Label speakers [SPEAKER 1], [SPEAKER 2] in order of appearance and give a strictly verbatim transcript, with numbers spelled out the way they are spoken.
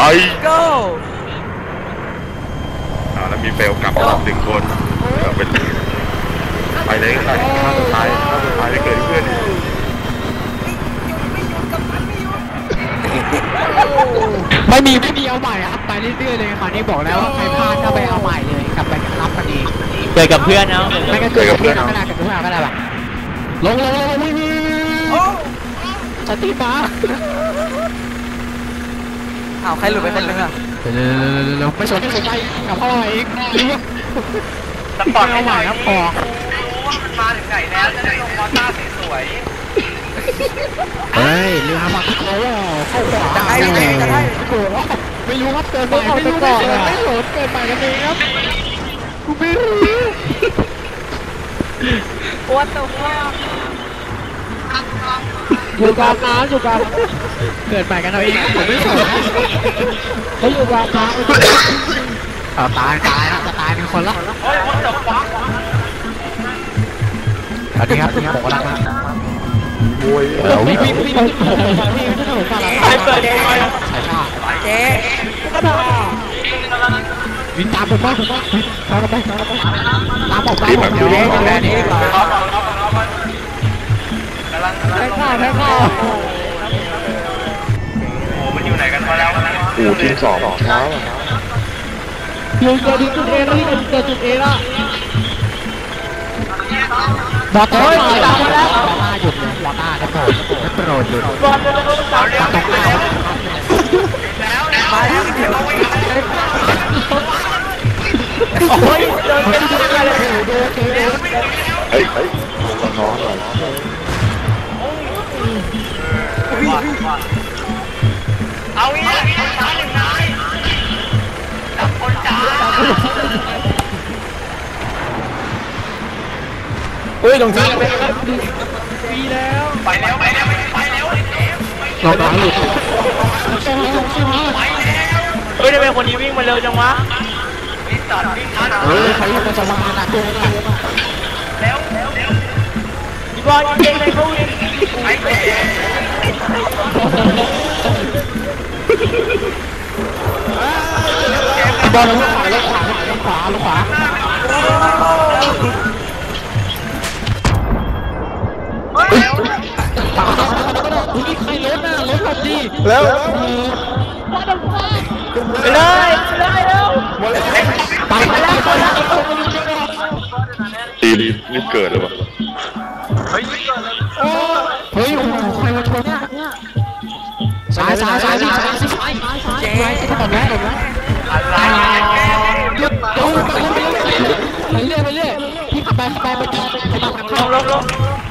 [SPEAKER 1] go
[SPEAKER 2] อ่าแล้วมีเฟลกลับมาหนึ่งคนเป็นไปเลยก็ได้ถ้าสุดท้ายถ้าสุดท้ายจะเกิดเพื่อน
[SPEAKER 3] ไม่มีไม่มีเอาใหม่ครับไปเรื่อยๆเลยคราวนี้บอกแล้วว่าใครพลาดก็ไปเอาใหม่เลยกลับไปรับกันเองเกิดกับเพื่อนเอาไม่ก็เกิดกับเพื่อนก็ได้กับเพื่อนก็ได้แบบลงลงลงวิ่งสตีฟ้า
[SPEAKER 1] อ้าวใครหลุดไปคนนึงอ่ะ
[SPEAKER 3] เร็วๆไม่สนไม่สนใจกับพ่อเองสปอร์ตเอาใหม่ครับพอ
[SPEAKER 4] รู้ว่ามันมาถึงไหนแล้วจะได้ลงมอต้าสวย
[SPEAKER 3] เฮ้ยเรือมาเขาเข้าขวา
[SPEAKER 1] จะให้จะให้
[SPEAKER 3] ไม่รู้ครับเกินไปไม่รู้ไม่ไม่หลดเกินไปกันเองครับกูไม่รู้
[SPEAKER 1] ปวดตัว
[SPEAKER 3] อยู่กลางน้ำอยู่กลางเกิดไปกันเอาเองผมไม่สนเขาอยู่กลางน้ำเอาตายตายจะตายเป็นคนละ
[SPEAKER 4] เฮ้ยวัดตบฟ้า
[SPEAKER 3] สวัสดีครับผมกำลัง
[SPEAKER 2] โวย
[SPEAKER 3] วิ่งวิ่งวิ่งวิ่งวิ่งถนนสา
[SPEAKER 4] ใครเปิดเอง
[SPEAKER 3] เลยเจ๊วิ่งตามผมมาผมมาตามไปตามไปตามผมตามผมเดี๋ยวแค่นี้ก่อน
[SPEAKER 4] กำลัง
[SPEAKER 3] แค่ข้าวแค่ข้าว
[SPEAKER 4] โอ้มันอยู่ไหนกันมาแล้ว
[SPEAKER 2] อู่ทีมสองเช้า
[SPEAKER 3] ยืนเกิดจุดเอแล้วที่เกิดจุดเอแล้วบอลเฮ้ยตามมาแล้วมาหยุดเลยบอลต้าจะโผล่จะโปรดหยุด
[SPEAKER 4] บอลจะโดนเสาเลี้ยวตกแล้วแล้วมาแล้วเดี๋ยวโอ้ยเดินเป็นตัวเลย
[SPEAKER 2] เฮ้ยเฮ้ยลงน้องหน่อย
[SPEAKER 4] เอาอีกแล้วช้าหนึ่งนายจับคนจ้า
[SPEAKER 3] เฮ้ยลงทีไปแล้วปีแล้ว
[SPEAKER 4] ไปแล้วไปแล้วไปแล้ว
[SPEAKER 3] ลงน้องหลุด
[SPEAKER 4] เฮ้ยทำไมคนนี้วิ่งมาเร็วจังวะวิ่งตัดวิ่งทัน
[SPEAKER 3] เฮ้ยใครจะจะมาหนักเลย
[SPEAKER 4] แล้วแล้วบอลยิงเลยเขาวิ่งไปไป
[SPEAKER 3] บอลลงขวาลงขวาลงขวาลงขวาอุ้ยใครรถน่ะรถหลบดี
[SPEAKER 2] แล้ว
[SPEAKER 4] ไปเลยไปเลยเร็ว
[SPEAKER 3] ไปไปแล้ว
[SPEAKER 2] ตีรีบเกิดเลยวะ
[SPEAKER 4] เฮ้ย
[SPEAKER 3] เฮ้ยโอ้โหใครมาชนเนี่ยสายสายสายสายสายสายเจ๊จะทำแล้วเหรอ
[SPEAKER 4] อะไร
[SPEAKER 3] หยุดหยุดไปเรื่อยไปเรื่อยพี่ขับไปขับไปไปไปตามกันเข้า
[SPEAKER 4] ลงลงลง